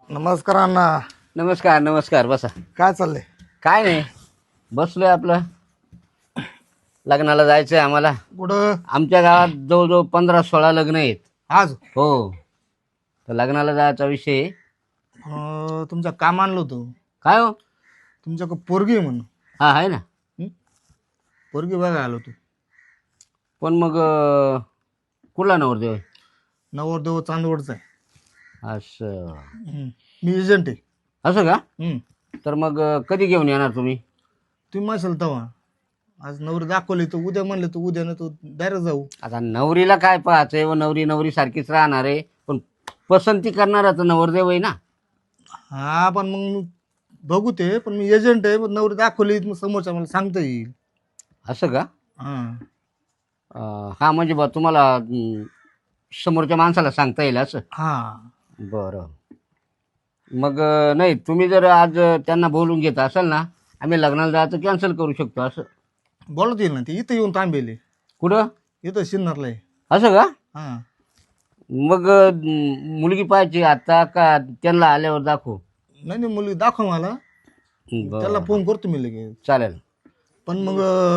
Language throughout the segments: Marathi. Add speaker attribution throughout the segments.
Speaker 1: नमस्कार अण्णा.
Speaker 2: नमस्कार नमस्कार. बसा.
Speaker 1: काय चाललंय?
Speaker 2: काय नाही, बसलोय आपलं. लग्नाला जायचंय आम्हाला.
Speaker 1: कुठं?
Speaker 2: आमच्या गावात जवळजवळ 15-16 लग्न आहेत.
Speaker 1: आज
Speaker 2: हो, तर लग्नाला जायचा विषय आहे.
Speaker 1: तुमचं काम आणलं होतं.
Speaker 2: काय हो?
Speaker 1: तुमच्याकडं पोरगी आहे म्हणून.
Speaker 2: हा आहे ना.
Speaker 1: हं? पोरगी बघायला आलो तू.
Speaker 2: पण मग कुठला नवरदेव आहे?
Speaker 1: नवरदेव चांदवडचा आहे.
Speaker 2: असं
Speaker 1: मी एजंट आहे.
Speaker 2: असं का?
Speaker 1: हं.
Speaker 2: तर मग कधी घेऊन येणार तुम्ही?
Speaker 1: तुम्ही म्हणशाल तेव्हा. आज नवरी दाखवली तर उद्या म्हणलं तर उद्या ना तू डायरेक्ट जाऊ.
Speaker 2: आता नवरीला काय पाहायचंय व नवरी नवरी सारखीच राहणार आहे, पण पसंती करणारा तर नवरदेव आहे ना.
Speaker 1: हा पण मग मी बघू ते, पण मी एजंट आहे. पण नवरी दाखवली मग समोरच्या मला सांगता येईल.
Speaker 2: असं का?
Speaker 1: हां.
Speaker 2: हा म्हणजे बा तुम्हाला समोरच्या माणसाला सांगता येईल असं.
Speaker 1: हां.
Speaker 2: बरं. मग नाही, तुम्ही जर आज त्यांना बोलून घेत असाल ना, आम्ही लग्नाला जायचं कॅन्सल करू शकतो असं.
Speaker 1: बोलत येईल ना ते. इथं येऊन थांबेले.
Speaker 2: कुठं?
Speaker 1: इथं सिन्नरला आहे.
Speaker 2: असं का?
Speaker 1: हां.
Speaker 2: मग मुलगी पाहिजे आता का त्यांना आल्यावर दाखवू?
Speaker 1: नाही नाही, मुलगी दाखव मला. त्याला
Speaker 2: बरं,
Speaker 1: फोन करतो मी लगेच.
Speaker 2: चालेल.
Speaker 1: पण मग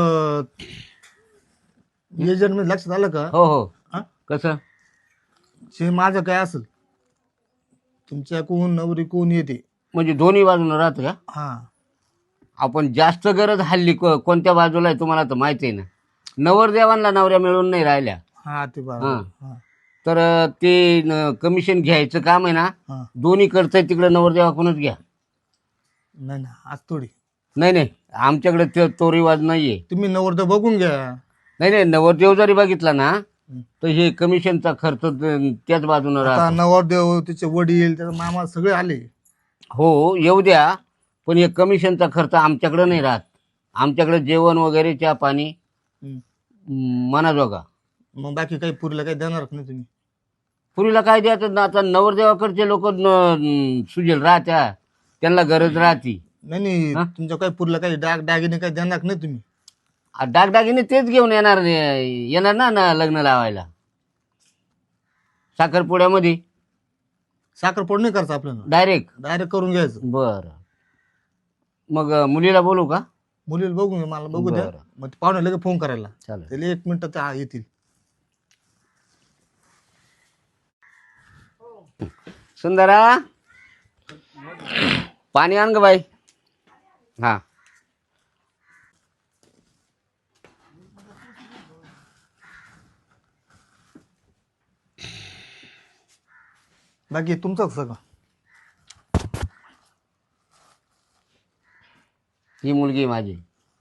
Speaker 1: एजंट मध्ये लक्षात आलं का?
Speaker 2: हो हो.
Speaker 1: हा?
Speaker 2: कसं?
Speaker 1: जे माझं काय असेल, तुमच्या कोण नवरी कोण येते.
Speaker 2: म्हणजे दोन्ही बाजूनं राहतं का?
Speaker 1: हा.
Speaker 2: आपण जास्त गरज हल्ली कोणत्या बाजूला आहे तुम्हाला तर माहिती आहे ना. नवरदेवांना नवऱ्या मिळून नाही राहिल्या.
Speaker 1: हा ते
Speaker 2: हां.
Speaker 1: बरोबर. हा.
Speaker 2: तर ते कमिशन घ्यायचं काम आहे ना,
Speaker 1: हा.
Speaker 2: दोन्ही करतंय तिकडे नवरदेवाकडूनच घ्या.
Speaker 1: नाही ना, आज थोडी.
Speaker 2: नाही नाही, आमच्याकडे तो रिवाज नाही आहे.
Speaker 1: तुम्ही नवरदेव बघून घ्या.
Speaker 2: नाही नाही, नवरदेव जरी बघितला ना
Speaker 1: हं.
Speaker 2: तर हे कमिशनचा खर्च त्याच बाजूनं
Speaker 1: आता
Speaker 2: राहतो.
Speaker 1: नवरदेव, तिचे वडील, त्याचा मामा सगळे आले.
Speaker 2: हो येऊ द्या, पण हे कमिशनचा खर्च आमच्याकडे नाही राहत. आमच्याकडे जेवण वगैरे चहा पाणी
Speaker 1: हं.
Speaker 2: मनाजोगा.
Speaker 1: मग बाकी काही पुरीला काही देणार नाही तुम्ही?
Speaker 2: पुरीला काय द्यायचं ना, आता नवरदेवाकडचे लोक सुजेल राहत्या, त्यांना गरज राहती.
Speaker 1: नाही नाही,
Speaker 2: हा?
Speaker 1: तुमच्या काही पुरीला काही दागिने काही देणार नाही तुम्ही?
Speaker 2: दागदागिने तेच घेऊन येणार येणार ना लग्न लावायला साखरपुड्यामध्ये
Speaker 1: साखरपोड नाही करायचं आपल्याला.
Speaker 2: डायरेक्ट.
Speaker 1: डायरेक्ट करून घ्यायचं.
Speaker 2: बरं. मग मुलीला बोलू का?
Speaker 1: मुलीला बघून घ्या, मला बघू द्या.
Speaker 2: बरं.
Speaker 1: मग ते पाहुणे लगेच फोन करायला.
Speaker 2: चालेल.
Speaker 1: त्याला 1 मिनिटात ते येतील.
Speaker 2: सुंदरा, पाणी आण ग बाई. हा.
Speaker 1: बाकी तुमचं सगळं.
Speaker 2: ही मुलगी माझी.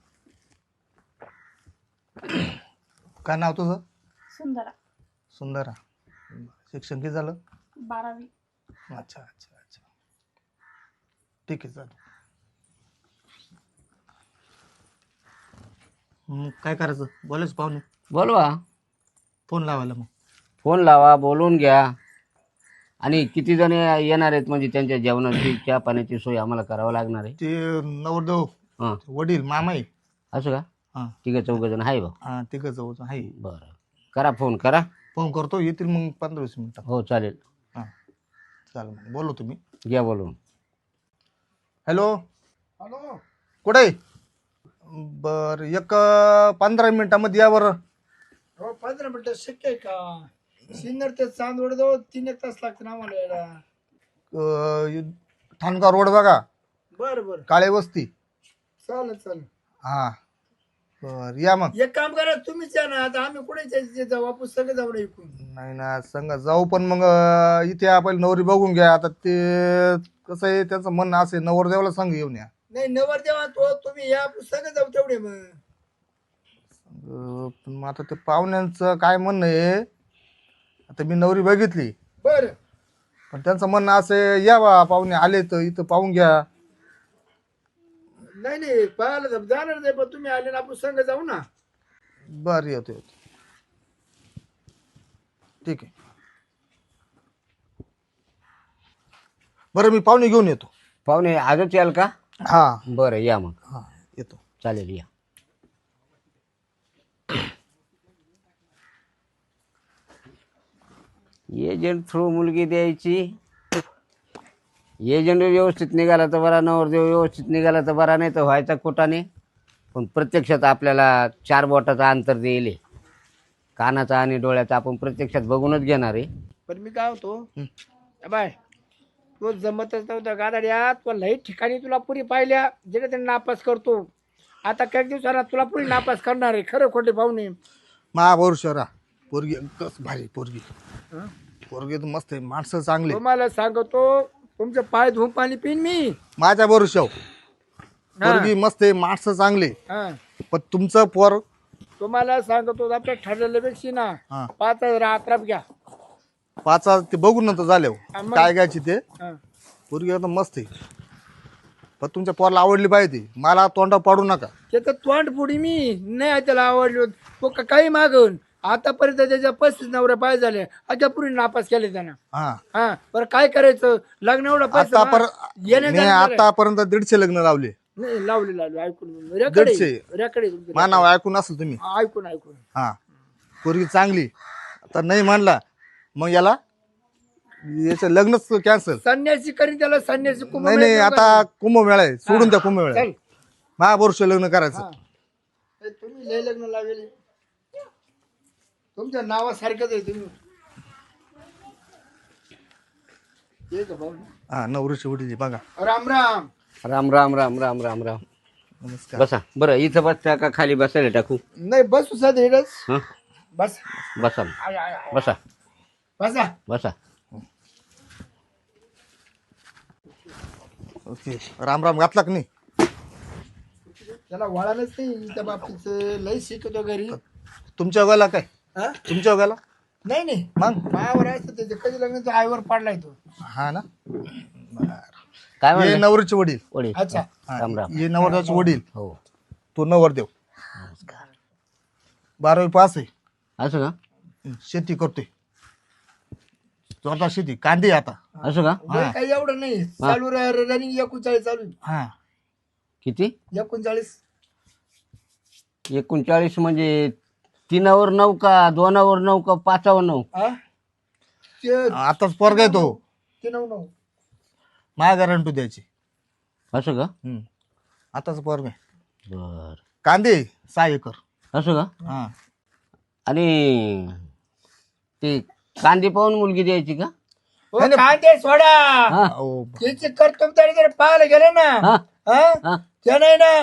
Speaker 1: काय नाव तुझं?
Speaker 3: सुंदरा.
Speaker 1: सुंदरा. शिक्षण किती झालं?
Speaker 3: 12वी.
Speaker 1: अच्छा अच्छा अच्छा. ठीक आहे, चालेल. मग काय करायचं? बोलायचं पाहुणे.
Speaker 2: बोलवा.
Speaker 1: फोन लावायला मग.
Speaker 2: फोन लावा, बोलून घ्या. आणि किती जण येणार आहेत म्हणजे त्यांच्या जेवणाची चहा पाण्याची सोय आम्हाला करावं लागणार आहे.
Speaker 1: ते नवरदेव,
Speaker 2: हां.
Speaker 1: वडील, मामा आहे.
Speaker 2: असं का?
Speaker 1: हां.
Speaker 2: ठीक आहे, 4 जण आहे बा.
Speaker 1: हां, तिघं जवळचं आहे.
Speaker 2: बरं, करा फोन करा.
Speaker 1: फोन करतो, येतील मग 15-20 मिनिटात.
Speaker 2: हो चालेल.
Speaker 1: हां, चालेल. मग बोलू तुम्ही.
Speaker 2: घ्या बोलून.
Speaker 1: हॅलो.
Speaker 4: हॅलो.
Speaker 1: कुठे आहे? बरं, एक 15 मिनिटामध्ये या बरं.
Speaker 4: हो 15 मिनिटं शक्य आहे का? सिन्नर ते चांदवड जवळ 3-1 तास लागते ना आम्हाला यायला.
Speaker 1: ठाणगाव रोड बघा,
Speaker 4: बरं बरं,
Speaker 1: काळे वस्ती.
Speaker 4: चालेल चालेल.
Speaker 1: हां, बरं या मग.
Speaker 4: एक काम करा, तुम्हीच या ना. आता आम्ही कुठे जाऊ? आपण सगळे जाऊ ना इकडून.
Speaker 1: नाही ना, संग जाऊ, पण मग इथे आपण नवरी बघून घ्या. आता ते कसं आहे, त्याचं म्हणणं असं आहे, नवरदेवाला सांग येऊन या.
Speaker 4: नाही नवरदेवा तुम्ही या, आपण सगळे जाऊ तेवढे मग.
Speaker 1: पण मग आता ते पाहुण्यांचं काय म्हणणं आहे, आता मी नवरी बघितली,
Speaker 4: बरं.
Speaker 1: पण त्यांचं म्हणणं असं आहे, या बा पाहुणे आले तर इथं पाहून घ्या.
Speaker 4: नाही नाही, पाहायला जाणार नाही, पण तुम्ही आले ना आपण संग जाऊ ना.
Speaker 1: बरं, येतो येतो. ठीक आहे. बरं, मी पाहुणे घेऊन येतो.
Speaker 2: पाहुणे आजच याल का?
Speaker 1: हां
Speaker 2: बरं या मग.
Speaker 1: हां, येतो.
Speaker 2: चालेल या. एजंट थ्रू मुलगी द्यायची एजंट व्यवस्थित निघाला तर बरा, नवरदेव व्यवस्थित निघाला तर बरा, नाही तर व्हायचा खोटाने. पण प्रत्यक्षात आपल्याला 4 बोटाचा अंतर देईल, कानाचा आणि डोळ्याचा आपण प्रत्यक्षात बघूनच घेणार आहे.
Speaker 4: पण मी काय होतो बाय, तो जमतच नव्हता गादाड्या, तो लई ठिकाणी तुला पुरी पाहिल्या जेणे त्यांनी नापास करतो. आता काही दिवसांना तुला पुरी नापास करणार आहे. खरं खोटे पाहुणे.
Speaker 1: महाभोर पोरगी कस भारी पोरगी. पोरगी तर मस्त आहे, माणसं चांगली.
Speaker 4: तुम्हाला सांगतो, तुमचे पाय धुवून पाणी पिईन मी.
Speaker 1: माझ्या भरोशावर पोरगी मस्त आहे, माणसं चांगली.
Speaker 4: हा,
Speaker 1: पण तुमचं पोर
Speaker 4: तुम्हाला सांगतो, आपल्या ठरलेल्यापेक्षा ना
Speaker 1: हा
Speaker 4: 5,000 अकरा घ्या.
Speaker 1: 5 ते बघून नंतर झाले
Speaker 4: मग?
Speaker 1: काय घ्यायची ते.
Speaker 4: हा.
Speaker 1: पोरगी एकदम मस्त आहे, पण तुमच्या पोराला आवडली पाहिजे. मला तोंडा पाडू नका.
Speaker 4: त्याचं तोंड पुढी मी नाही त्याला आवडलो. तो काही मागून आतापर्यंत त्याच्या 35 नवऱ्या पाय झाले, आता पुरी नापास केले त्यानं.
Speaker 1: हा
Speaker 4: हा, बरं काय करायचं? लग्न एवढं पैसा
Speaker 1: मी आतापर्यंत 150 लग्न लावले.
Speaker 4: नाही लावले ऐकून रेकडे
Speaker 1: 150 मानाव ऐकून असेल तुम्ही.
Speaker 4: ऐकून
Speaker 1: हा पोरगी चांगली. आता नाही म्हणला मग याला याचं लग्नच कॅन्सल.
Speaker 4: संन्यासी करीन त्याला, संन्यासी कुंभ
Speaker 1: नाही नाही, आता कुंभमेळा आहे, सोडून त्या कुंभमेळा.
Speaker 4: चल.
Speaker 1: महाभोर लग्न करायचं.
Speaker 4: हा. ए, तुम्ही लय लग्न लावले, तुमच्या नावासारखंच आहे तुम्ही. हे का भाऊ?
Speaker 1: हा नवरीची वडील बघा.
Speaker 4: राम राम.
Speaker 2: राम राम राम राम राम राम.
Speaker 1: नमस्कार.
Speaker 2: बसा बरं, इथं बसता का खाली बसायला टाकू?
Speaker 4: नाही बसू साधं हेडच.
Speaker 2: हां,
Speaker 4: बस.
Speaker 2: बसा
Speaker 4: आय, आय, आय.
Speaker 2: बसा
Speaker 4: बसा.
Speaker 2: बसा.
Speaker 1: ओके. राम राम घातला का नाही?
Speaker 4: त्याला वळालंच नाही त्या बाबतीत. लय शिकतो घरी.
Speaker 1: तुमच्या गाला काय?
Speaker 4: हा?
Speaker 1: तुमच्या गाला
Speaker 4: नाही नाही,
Speaker 1: मग
Speaker 4: मायावर आहे त्याचे कधी लग्नाचं आईवर पाडलाय तो.
Speaker 1: हा ना.
Speaker 2: काय
Speaker 1: हे
Speaker 2: म्हणलं?
Speaker 1: नवरीचे वडील.
Speaker 2: वडील.
Speaker 4: अच्छा.
Speaker 1: हा,
Speaker 2: राम राम.
Speaker 1: हे नवरदेवाचे वडील.
Speaker 2: हो.
Speaker 1: तो नवरदेव 12वी पास आहे.
Speaker 2: असं का?
Speaker 1: शेती करतोय, स्वतः शेती. कांदे आता.
Speaker 2: असं का?
Speaker 4: वय काही एवढं नाही, चालू रनिंग 39 चालू आहे.
Speaker 1: हा
Speaker 2: किती?
Speaker 4: 39.
Speaker 2: 39 म्हणजे 3वर 9 का 2वर 9 का 5वर 9?
Speaker 4: हा? ते
Speaker 1: आताच पोरगा आहे तो.
Speaker 4: 9.
Speaker 1: माझ्या गॅरंटी द्यायची.
Speaker 2: असं का?
Speaker 1: आताच पोरगा आहे.
Speaker 2: बर.
Speaker 1: कांदे 6 एकर.
Speaker 2: असं का?
Speaker 1: हा
Speaker 2: आणि ते कांदे पाहून मुलगी द्यायची का?
Speaker 4: हो, कांदे सोडा.
Speaker 2: हा.
Speaker 1: अहो,
Speaker 4: त्याची कर्तव्य जर पाहायला गेले ना,
Speaker 2: हा.
Speaker 4: हा,
Speaker 2: हा.
Speaker 4: त्याने ना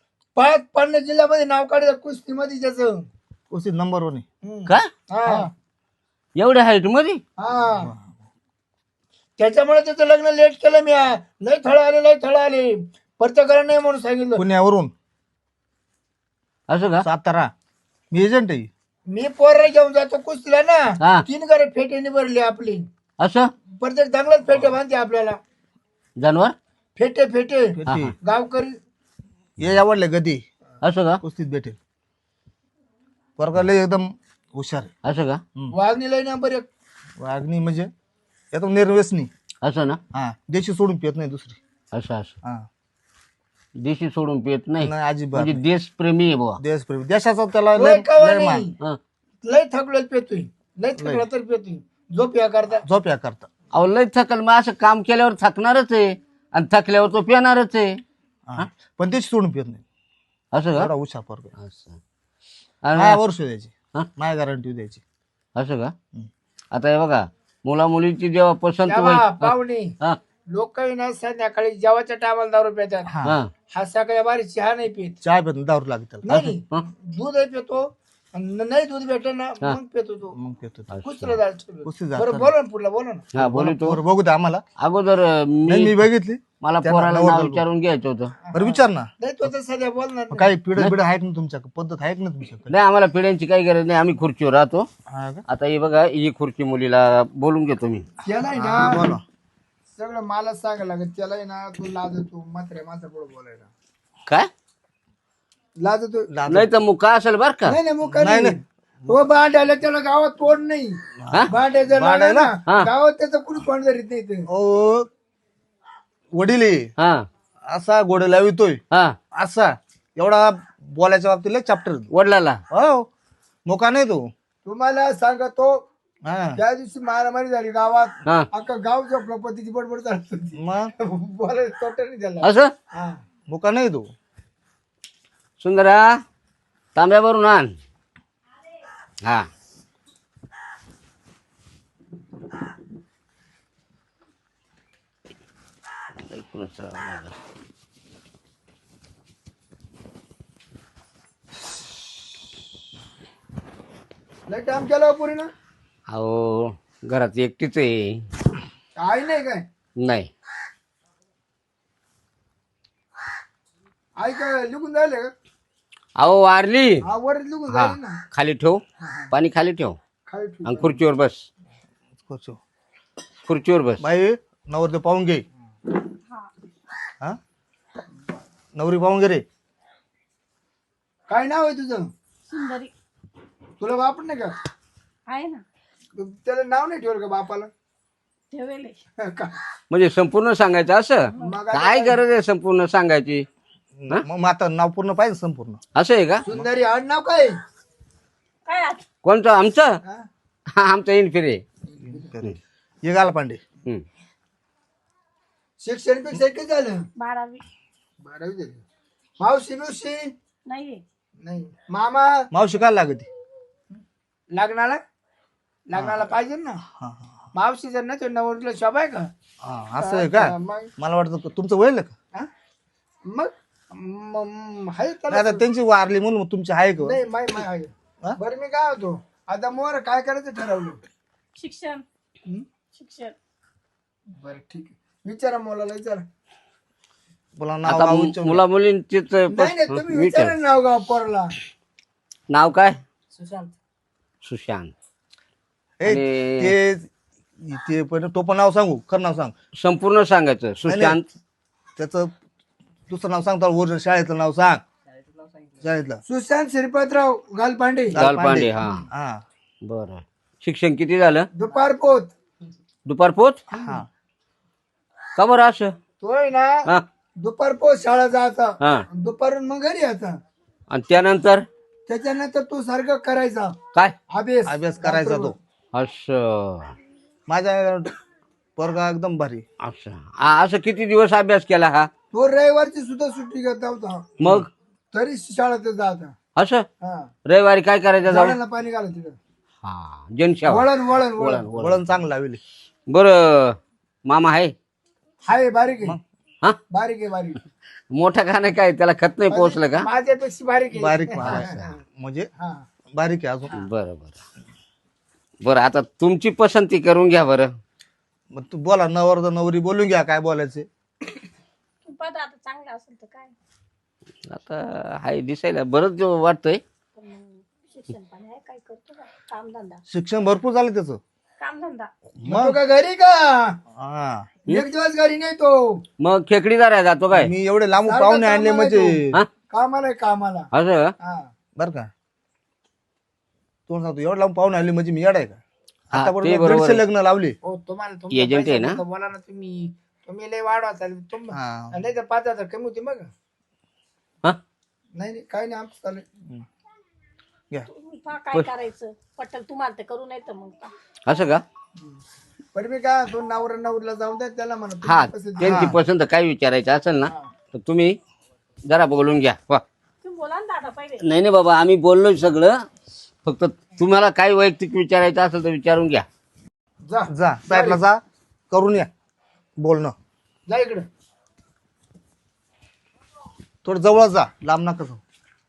Speaker 4: 5 जिल्ह्यामध्ये नाव काढलं कुस्तीमध्ये त्याचं.
Speaker 1: उसी नंबर 1 आहे.
Speaker 2: काय?
Speaker 4: हा
Speaker 2: एवढ्या हाईट मध्ये?
Speaker 4: हा, त्याच्यामुळे त्याचं लग्न लेट केलं मी. लय थळ आले प्रत्येकाला नाही म्हणून सांगितलं.
Speaker 1: पुण्यावरून
Speaker 2: असं का?
Speaker 1: 7 मी एजंट आहे.
Speaker 4: मी पोरं घेऊन जातो कुस्तीला
Speaker 2: हा.
Speaker 4: ना, 3 घरे फेटेने भरली आपली.
Speaker 2: असं?
Speaker 4: प्रत्येक चांगलाच फेटे बांधते आपल्याला.
Speaker 2: जानवर?
Speaker 4: फेटे
Speaker 1: भेटी.
Speaker 4: गावकरी.
Speaker 1: ये आवडले गदी
Speaker 2: असं का?
Speaker 1: कुस्तीत भेटेल. पोरगा लय एकदम हुशार आहे.
Speaker 2: असं का?
Speaker 4: वाघणी लय नंबर 1.
Speaker 1: वागणी म्हणजे एकदम निर्व्यसनी.
Speaker 2: असं ना?
Speaker 1: हा देशी सोडून पित नाही दुसरी.
Speaker 2: असं असं.
Speaker 1: हा
Speaker 2: देशी सोडून पित नाही
Speaker 1: नाही अजिबात
Speaker 2: म्हणजे
Speaker 1: नाही.
Speaker 2: देशप्रेमी आहे बुवा.
Speaker 1: देशप्रेमी देशाचा त्याला
Speaker 4: लय
Speaker 1: लय
Speaker 4: कवा
Speaker 1: लय मान.
Speaker 4: नाही.
Speaker 2: हं.
Speaker 4: लय थकलो पेतोय. लय थकला तर पेतोय. झोप या करता.
Speaker 1: झोप या करता.
Speaker 2: अहो लय थकल, मग असं काम केल्यावर थकणारच आहे आणि थकल्यावर तो पिणारच आहे.
Speaker 1: हा. पण देशी सोडून पित नाही.
Speaker 2: असं का?
Speaker 1: एवढा हुशार पोरगा आहे.
Speaker 2: असं.
Speaker 1: माझ्या
Speaker 2: आणि
Speaker 1: वर्ष द्यायची.
Speaker 2: हा?
Speaker 1: माझ्या गॅरंटी द्यायची.
Speaker 2: असं का? आता हे बघा, मुला मुलीची जेव्हा पसंत
Speaker 4: तेव्हा
Speaker 2: होईल.
Speaker 4: पाहुणे
Speaker 2: हा.
Speaker 4: लोक ना संध्याकाळी जेवाच्या टायमाला दारू पितात.
Speaker 1: हा
Speaker 2: हा.
Speaker 4: हा सकाळी बारी चहा नाही पित.
Speaker 1: चहा पित नाही, दारू लागते त्याला.
Speaker 4: नाही
Speaker 2: हं.
Speaker 4: दूध पितो. आणि नाही दूध भेटलं ना मग पितो तो.
Speaker 1: मग पितो तो.
Speaker 4: कुस्तीला जायचं.
Speaker 1: कुस्तीत जायचं.
Speaker 4: बरं बोला ना पुढला, बोला ना.
Speaker 2: हा बोलतो.
Speaker 1: बरं बघू दे आम्हाला.
Speaker 2: अगोदर
Speaker 1: नाही मी बघितली.
Speaker 2: मला
Speaker 1: त्यांना
Speaker 2: पोराला
Speaker 1: नवरदेव
Speaker 2: नाव
Speaker 1: बघू.
Speaker 2: विचारून घ्यायचं होतं.
Speaker 1: बरं विचार ना.
Speaker 4: नाही तो तर सध्या बोलणार
Speaker 1: मग
Speaker 4: नाही.
Speaker 1: काही पिढ्या बिढ आहेत ना तुमच्याकडे, पद्धत आहे ना तुमच्याकडे?
Speaker 2: नाही, आम्हाला पिढ्यांची काही गरज नाही, आम्ही खुर्चीवर राहतो.
Speaker 1: हा का?
Speaker 2: आता ही बघा, ही खुर्ची मुलीला बोलून घेतो मी.
Speaker 4: त्यालाही
Speaker 1: हा,
Speaker 4: ना
Speaker 1: बोला.
Speaker 4: सगळं मला सांगायला लागत. त्यालाही ना तू लाजतो मात्र माझा पुढे बोलायला
Speaker 2: काय?
Speaker 4: लाजतो.
Speaker 2: नाही तर मुका असेल बर का?
Speaker 4: नाही नाही मुका नाही. हो भांडायला त्याला गावात तोड नाही.
Speaker 2: हा?
Speaker 4: भांडायचं
Speaker 1: भांडायला?
Speaker 4: ना
Speaker 2: हा.
Speaker 4: गावात त्याचं कुणी तोंड धरीत नाही ते.
Speaker 1: ओ वडील आहे.
Speaker 2: हा
Speaker 1: असा गोडे लावितोय
Speaker 2: हा.
Speaker 1: असा एवढा बोलायच्या बाबतीत चॅप्टर.
Speaker 2: वडिलाला
Speaker 1: हो मोका नाही तो.
Speaker 4: तुम्हाला सांगतो
Speaker 1: हा
Speaker 4: त्या दिवशी मारामारी झाली गावात.
Speaker 2: हा
Speaker 4: अख्खा गाव झोपला पतीची बडबड चालत होती.
Speaker 1: मग
Speaker 4: बोलायला तोटा नाही त्याला.
Speaker 2: असं
Speaker 4: हा
Speaker 1: मुका नाही तू
Speaker 2: सुंदरा तांब्यावरून आण. हा ऐकूनच राहावं लागलं.
Speaker 4: लय टाइम केला पुरी ना.
Speaker 2: अहो घरात एकटीच आहे.
Speaker 4: आई नाही काय
Speaker 2: नाही
Speaker 4: आई काय लिहून जायले का?
Speaker 2: अहो वारली.
Speaker 4: हा वर लिहून
Speaker 2: हा
Speaker 4: जायले ना.
Speaker 2: खाली ठेव पाणी खाली ठेव
Speaker 4: खाली ठेव.
Speaker 2: आणि खुर्चीवर बस. खुर्चीवर बस.
Speaker 1: बाई नवरदेव पाहून घे. हा नवरी पाहून घे रे.
Speaker 4: काय नाव आहे तुझं?
Speaker 3: सुंदरी
Speaker 4: तुला बाप नाही का?
Speaker 3: आहे ना,
Speaker 4: त्याला नाव नाही ठेवलं का बापाला?
Speaker 3: ठेवेले.
Speaker 4: का?
Speaker 2: म्हणजे संपूर्ण सांगायचं असं
Speaker 4: मग
Speaker 2: काय गरज आहे संपूर्ण सांगायची?
Speaker 1: मग आता नाव पूर्ण पाहिजे संपूर्ण.
Speaker 2: असं आहे का?
Speaker 4: सुंदरी आड नाव काय?
Speaker 3: काय आज
Speaker 2: कोणतं आमचं?
Speaker 4: हा?
Speaker 2: हा आमचं इनफिरे.
Speaker 1: ये गाला पांडे.
Speaker 4: शिक्षण पेक्षा किती झालं?
Speaker 3: 12वी
Speaker 4: 12वी झाली. मावशी बिवशी
Speaker 3: नाहीये.
Speaker 4: नाही. मामा
Speaker 1: मावशी काय लागते?
Speaker 4: लग्नाला पाहिजे ना. मावशी जर ना तो नवरीला शोभा आहे का?
Speaker 1: हा असं आहे का?
Speaker 4: मग
Speaker 1: मला वाटतं तुमचं वय का?
Speaker 4: हा? मग आहे
Speaker 1: नाही
Speaker 4: त्याला.
Speaker 1: आता त्यांची वारली म्हणून मग तुमची आहे का?
Speaker 4: नाही माय माय आहे.
Speaker 1: हा?
Speaker 4: बरं मी काय होतो आता मोर काय करायचं ठरवलं?
Speaker 3: शिक्षण शिक्षण
Speaker 4: बरं ठीक आहे. विचारा मुलाला विचारा.
Speaker 1: बोला नाव
Speaker 2: आता
Speaker 1: गाव विचारून.
Speaker 2: मुला मुलींचीच
Speaker 4: नाही नाही तुम्ही विचारा नाव गाव पोराला.
Speaker 2: नाव काय?
Speaker 3: सुशांत.
Speaker 2: सुशांत.
Speaker 1: ए, ते पण तो पण नाव सांगू खरं नाव सांग.
Speaker 2: संपूर्ण सांगायचं. सुशांत.
Speaker 1: त्याचं दुसरं नाव सांगतो. ओरिजिनल शाळेचं नाव सांग. शाळेतलं
Speaker 4: सुशांत श्रीपतराव गालपांडे.
Speaker 2: गालपांडे. हा
Speaker 1: हा
Speaker 2: बरं. शिक्षण किती झालं?
Speaker 4: दुपार पोत.
Speaker 2: दुपार पोच.
Speaker 1: हा
Speaker 2: का बरं असं?
Speaker 4: तोय ना
Speaker 2: हा
Speaker 4: दुपार पोत शाळा जायचा.
Speaker 2: हा
Speaker 4: दुपारून मग घरी यायचा.
Speaker 2: आणि त्यानंतर
Speaker 4: त्याच्यानंतर तू सारखं करायचा
Speaker 2: काय?
Speaker 1: अभ्यास करायचा तो.
Speaker 2: असं
Speaker 1: माझ्या पोरगा एकदम भारी.
Speaker 2: असं असं किती दिवस अभ्यास केला हा?
Speaker 4: तो रविवारची सुद्धा सुट्टी घेत होता
Speaker 2: मग
Speaker 4: तरी शाळेत जायचा.
Speaker 2: असं
Speaker 4: हा
Speaker 2: रविवारी काय करायचं जाऊन?
Speaker 4: झाडांना पाणी घाला तिकडं.
Speaker 2: हा जनसेवा.
Speaker 4: वळण वळण वळण
Speaker 2: वळण वळण.
Speaker 1: वळण चांगलं लावले.
Speaker 2: बरं मामा आहे?
Speaker 4: हाय बारीक आहे.
Speaker 2: हा
Speaker 4: बारीक आहे बारीक.
Speaker 2: मोठा खाणं काय त्याला खत नाही पोहोचलं का?
Speaker 4: माझ्यापेक्षा बारीक आहे.
Speaker 1: बारीक म्हणजे
Speaker 4: हा
Speaker 1: बारीक आहे अजून.
Speaker 2: बरं बरं बरं आता तुमची पसंती करून घ्या बरं.
Speaker 1: मग तू बोला नवर नवरी बोलून घ्या काय बोलायचे.
Speaker 3: तू पाहता आता चांगलं असेल तर काय,
Speaker 2: आता हाय दिसायला बरंच वाटतंय.
Speaker 3: पण मग शिक्षण पण आहे, काय करतो का कामधंदा.
Speaker 1: शिक्षण भरपूर झालं त्याचं.
Speaker 3: कामधंदा
Speaker 4: मग तो का घरी का
Speaker 1: हा
Speaker 4: एक दिवस घरी नाही तो.
Speaker 2: मग खेकडीदार आहे जातो काय?
Speaker 1: मी एवढे लांब
Speaker 4: सारखं
Speaker 1: पाहुणे आणले
Speaker 4: कामाला
Speaker 1: म्हणजे
Speaker 2: हा
Speaker 4: कामाला आहे, कामाला.
Speaker 2: असं
Speaker 4: हा
Speaker 1: बर का. तू सांगतो एवढं लांब पाहुणे आणले म्हणजे मी येड आहे का?
Speaker 2: हा,
Speaker 1: आता
Speaker 2: ते
Speaker 1: बरोबर
Speaker 2: बरोबर
Speaker 1: 150 लग्न लावले.
Speaker 4: हो तुम्हाला तुमचा
Speaker 2: एजंट आहे
Speaker 4: पैसा
Speaker 2: ना?
Speaker 4: होता, बोला ना तुम्ही. तुम्ही लय वाढवा चालेल
Speaker 1: हा.
Speaker 4: नाही तर 5,000 कमी होते मग.
Speaker 2: हा
Speaker 4: नाही नाही काही नाही आमचं चालेल.
Speaker 1: घ्या.
Speaker 3: तुम्ही पहा काय करायचं. पटल तुम्हाला तर करू नाही तर मग पहा.
Speaker 2: असं का?
Speaker 4: पण मी काय तो नवरीला जाऊन द्या त्याला म्हणा
Speaker 2: हा
Speaker 4: तुमची पसंती.
Speaker 2: त्यांची पसंत काय विचारायचं असेल ना तर तुम्ही जरा बोलून घ्या. वा.
Speaker 3: तुम्ही बोला ना दादा पहिले.
Speaker 2: नाही नाही बाबा आम्ही बोललोय सगळं. फक्त तुम्हाला काय वैयक्तिक विचारायचं असेल तर विचारून घ्या.
Speaker 1: जा साईडला जा करून या बोलणं.
Speaker 4: जा इकडं.
Speaker 1: थोडं जवळ जा लांब नका जाऊ.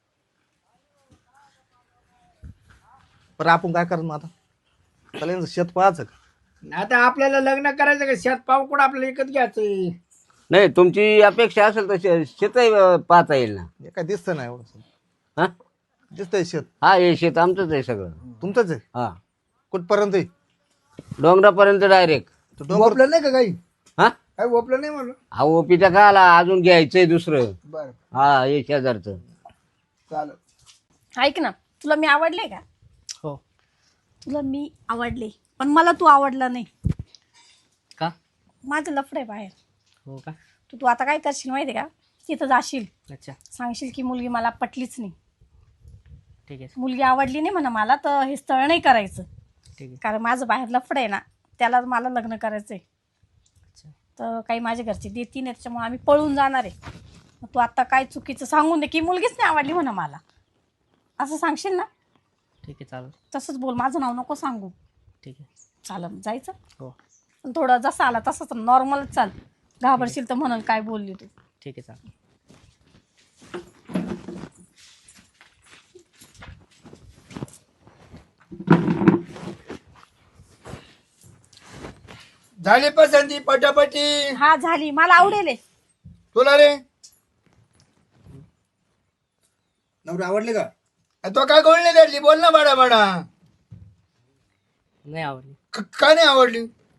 Speaker 1: पण आपण काय करणार आता? त्याला यांचं शेत पाहायचं का?
Speaker 4: आता आपल्याला लग्न करायचं का शेत पाहून कुठं आपल्याला विकत घ्यायचं.
Speaker 2: नाही तुमची अपेक्षा असेल तर शेत पाहता येईल ना.
Speaker 1: हे काय दिसतं नाही एवढं.
Speaker 2: हा
Speaker 1: दिसतंय शेत
Speaker 2: हा हे शेत आमचंच आहे सगळं.
Speaker 1: तुमचंच आहे.
Speaker 2: हा
Speaker 1: कुठपर्यंत आहे?
Speaker 2: डोंगरापर्यंत डायरेक्ट.
Speaker 1: तो डोंगर
Speaker 4: ओपलं नाही का काही?
Speaker 2: हा
Speaker 4: काही ओपलं नाही म्हणलं.
Speaker 2: हा ओपीचा का आला अजून घ्यायचंय दुसरं.
Speaker 4: बरं
Speaker 2: हा हे शेजारचं.
Speaker 4: चालेल.
Speaker 3: ऐक ना, तुला मी आवडले का?
Speaker 1: हो.
Speaker 3: तुला मी आवडले पण मला तू आवडला नाही.
Speaker 2: का?
Speaker 3: माझं लफड आहे बाहेर.
Speaker 2: हो का?
Speaker 3: तू आता काय करशील माहिती आहे का? तिथं जाशील,
Speaker 2: अच्छा
Speaker 3: सांगशील की मुलगी मला पटलीच नाही,
Speaker 2: ठीक आहे.
Speaker 3: मुलगी आवडली नाही म्हणा मला, तर हे स्थळ नाही करायचं.
Speaker 5: ठीक आहे.
Speaker 3: कारण माझं बाहेर लफड आहे ना, त्याला मला लग्न करायचंय.
Speaker 5: अच्छा.
Speaker 3: तर काही माझ्या घरचे देती नाही, त्याच्यामुळे आम्ही पळून जाणार आहे. मग तू आता काय चुकीचं सांगून दे की मुलगीच नाही आवडली म्हणा मला, असं सांगशील ना?
Speaker 5: ठीक आहे चालेल.
Speaker 3: तसंच बोल, माझं नाव नको सांगू.
Speaker 5: ठीक आहे.
Speaker 3: चालेल, जायचं.
Speaker 5: हो
Speaker 3: पण थोडं जसं आला तसंच नॉर्मलच चाल. घाबरशील तर म्हणून काय बोलली तू.
Speaker 5: ठीक आहे चालेल.
Speaker 4: झाली पसंती पटापटी.
Speaker 3: हा झाली, मला आवडेल आहे.
Speaker 4: तुला रे
Speaker 1: नवरी आवडली का?
Speaker 4: तो काय गोळणी धरली, बोल ना बाडा बाडा.
Speaker 5: नाही आवडली.
Speaker 4: का नाही आवडली?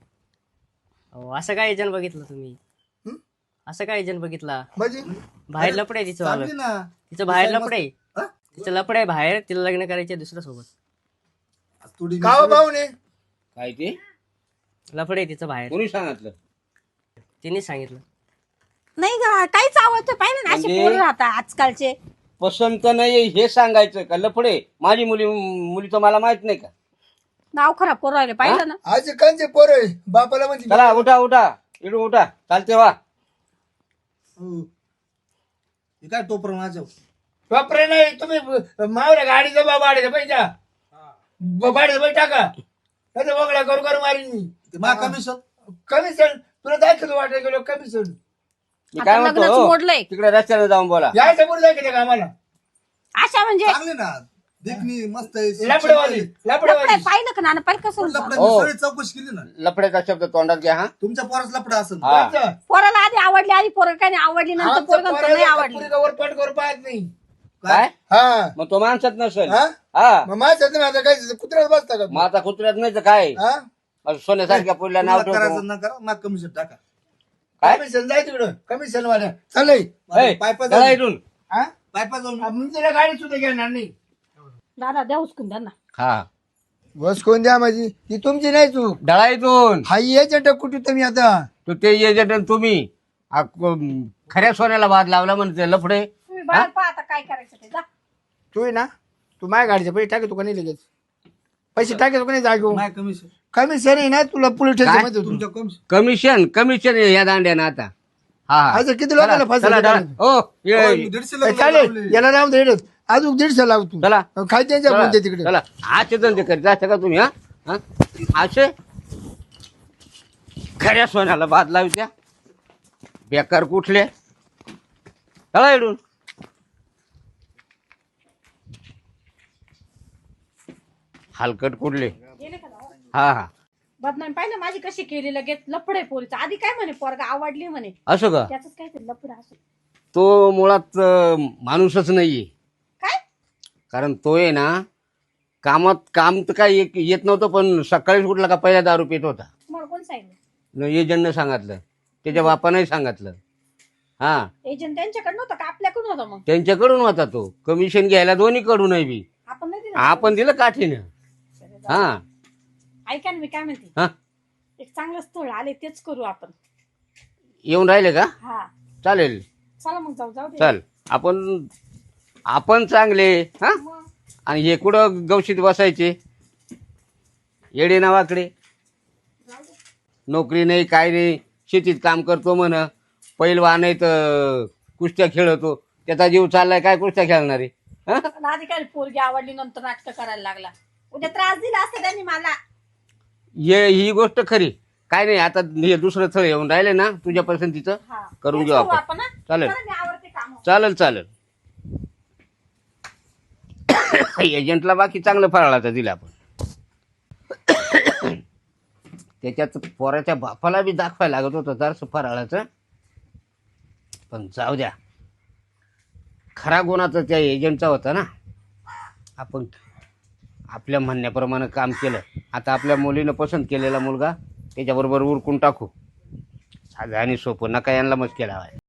Speaker 5: अहो असं काय एजंट बघितलं तुम्ही?
Speaker 1: हं?
Speaker 5: असं काय एजंट बघितला?
Speaker 1: म्हणजे
Speaker 5: बाहेर लपडे तिचं
Speaker 1: चांगली
Speaker 5: वालं.
Speaker 1: ना.
Speaker 5: तिचं बाहेर
Speaker 1: दिसायला
Speaker 5: लपडे.
Speaker 1: मस्त. हा?
Speaker 5: तिचं लपडे बाहेर, तिला लग्न करायचे दुसऱ्या सोबत.
Speaker 1: थोडी
Speaker 4: का हो भाऊने?
Speaker 2: काय ते
Speaker 5: लपडे तिचं बाहेर.
Speaker 2: कोणी सांगितलं?
Speaker 5: तिने सांगितलं.
Speaker 3: नाही ग, काहीच आवडतं पाहिजे ना, असे
Speaker 2: म्हणजे?
Speaker 3: पोरं राहतात आजकालचे.
Speaker 2: पसंत नाही हे सांगायचं का? लफडे माझी मुलीचं मला माहित नाही का?
Speaker 3: नाव खराब करू राहिले, पाहिलं ना?
Speaker 4: आज कांचे पोर बापाला म्हणजे
Speaker 2: चला उठा उठा, इकडून उठा, चालते वा.
Speaker 1: हो. हे काय टोपर माझ्या
Speaker 4: वापरे नाही. तुम्ही मावऱ्या गाडीचा भाड्याचा पैसा भाड्याचा पैसा टाका. कसं बघला करू करू मारीन मी.
Speaker 1: मा कमिशन
Speaker 4: कमिशन तुला दाखवतो वाटायला गेलो कमिशन.
Speaker 2: मी
Speaker 3: आता
Speaker 2: काय म्हणतो
Speaker 3: लग्नच
Speaker 2: हो,
Speaker 3: मोडलंय.
Speaker 2: तिकडे रस्त्याने जाऊन बोला.
Speaker 4: यायचं पुढे दाखवते का आम्हाला?
Speaker 3: अशा म्हणजे
Speaker 1: चांगले ना, देखणी मस्त आहे.
Speaker 4: लपडेवाली
Speaker 3: लफडे
Speaker 4: लपडेवाली.
Speaker 3: पाहिलं का नाना, पाहिलं कसं होतं?
Speaker 1: लफडं
Speaker 2: हो.
Speaker 1: सगळी चौकशी केली ना.
Speaker 2: लफड्याचा शब्द तोंडात घ्या हा.
Speaker 1: तुमच्या पोरास लफडा असेल.
Speaker 2: हा.
Speaker 3: पोराला आधी आवडली, आधी पोरं काय नाही आवडली, नंतर पोरं नाही आवडली.
Speaker 4: वर पट करू पाहत नाही.
Speaker 2: काय
Speaker 4: हा
Speaker 2: मग तो माणसात नसेल.
Speaker 4: हा?
Speaker 2: हा
Speaker 4: मग माझ्यात नाही आता काय कुत्र्यात बसता का?
Speaker 2: मग आता कुत्र्यात नाही तर काय?
Speaker 4: हा?
Speaker 2: मग सोन्यासारख्या पुढल्या नाव
Speaker 1: तुम्हाला
Speaker 2: ठेवतो.
Speaker 1: करायचं ना करा, मा कमिशन टाका.
Speaker 2: काय?
Speaker 4: कमिशन जाय तिकडं कमिशन वाल्या चालय.
Speaker 2: ए,
Speaker 1: पायपा
Speaker 2: चला
Speaker 1: जाऊन
Speaker 2: इथून.
Speaker 4: हा?
Speaker 1: पायपा जाऊन
Speaker 4: मी तिला गाडी सुद्धा घेणार नाही.
Speaker 3: दादा द्या उचकून त्यांना.
Speaker 2: हा
Speaker 4: बस कोण द्या माझी, ती तुमची नाही चूक.
Speaker 2: डळा इथून.
Speaker 4: हा याच्या कुठे तुम्ही आता
Speaker 2: तो ते एजंट आणि तुम्ही खऱ्या सोन्याला बाद लावला म्हणते लफडे.
Speaker 3: तुम्ही बाहेर पहा आता काय करायचं ते, जा.
Speaker 4: तू आहे ना, तू माझ्या गाडीचे पैसे टाकतो का नाही लगेच? पैसे टाकतो का नाही जागो?
Speaker 1: माय कमिशन
Speaker 4: कमिशन आहे ना तुला पोलीस
Speaker 2: काय?
Speaker 4: स्टेशन
Speaker 1: तुमच्या कमिशन
Speaker 2: कमिशन या दांड्यानं आता. हा हा.
Speaker 4: आज किती लोकांना
Speaker 2: चला,
Speaker 4: फसवलं
Speaker 2: चला,
Speaker 4: त्याने?
Speaker 2: ओ, ये.
Speaker 1: 150 लग्न
Speaker 4: चालेल
Speaker 1: लावले.
Speaker 4: याला राम दे अजून 150 लावतो.
Speaker 2: चला.
Speaker 4: काय त्यांच्या
Speaker 2: चला,
Speaker 4: बोलते तिकडे.
Speaker 2: चला आजचे धंदे करीत जायचं का तुम्ही? हा हा? असे खऱ्या सोन्याला बाद लावत्या बेकार कुठले. चला इडून. हलकट कुठले.
Speaker 3: गेले का जाऊ?
Speaker 2: हा हा.
Speaker 3: बदनामी पाहिलं माझी कशी केली, लगेच लफडे पोरीचं. आधी काय म्हणे पोरगा आवडली म्हणे,
Speaker 2: असं का?
Speaker 3: त्याच काय ते लफडं असं
Speaker 2: तो मुळात माणूसच नाहीये.
Speaker 3: काय.
Speaker 2: कारण तो आहे ना काम तर काय येत नव्हतं, पण सकाळीच उठला का पहिला दारू पित होता.
Speaker 3: तुम्हाला कोण सांगितलं?
Speaker 2: एजंटनं सांगितलं, त्याच्या बापानंही सांगितलं. हा
Speaker 3: एजंट त्यांच्याकडनं होतं का आपल्याकडून होतं? मग
Speaker 2: त्यांच्याकडून होता तो. कमिशन घ्यायला दोन्हीकडूनही बी
Speaker 3: आपण नाही दिलं.
Speaker 2: आपण दिलं काठीनं. हा
Speaker 3: ऐका ना, मी काय म्हणते,
Speaker 2: हा.
Speaker 3: एक चांगलं स्थळ आले तेच करू आपण.
Speaker 2: येऊन राहिले का?
Speaker 3: हा
Speaker 2: चालेल.
Speaker 3: चला मग जाऊ दे.
Speaker 2: चल आपण चांगले. हा
Speaker 3: मग
Speaker 2: आणि हे कुठं गवशीत बसायचे येडे नावाकडे. नोकरी नाही काय नाही, शेतीत काम करतो म्हण, पैलवान आहे तर कुस्त्या खेळतो. त्याचा जीव चाललाय, काय कुस्त्या खेळणार आहे? हा?
Speaker 3: पण आधी काय पोरगी आवडली नंतर नाटक करायला लागला. उद्या त्रास दिला असता त्यांनी मला.
Speaker 2: ही गोष्ट खरी. काय नाही, आता हे दुसरं स्थळ येऊन राहिले ना तुझ्या पसंतीचं,
Speaker 3: हा
Speaker 2: करून
Speaker 3: तेच
Speaker 2: घेऊ
Speaker 3: करू
Speaker 2: आपण.
Speaker 3: आपण हा?
Speaker 2: चालेल.
Speaker 3: चला, मी आवडते काम.
Speaker 2: चालेल एजंटला बाकी चांगलं फराळाचं दिलं आपण. त्याच्यात पोराच्या बापाला बी दाखवायला लागत होतं जरासं फराळाचं, पण जाऊ द्या. खरा गुणाचा त्या एजंटचा होता ना. आपण आपल्या म्हणण्याप्रमाणे काम केलं. आता आपल्या मुलीनं पसंत केलेला मुलगा त्याच्याबरोबर उरकून टाकू. साधं आणि सोपं, नका यांना मस्के लावाय.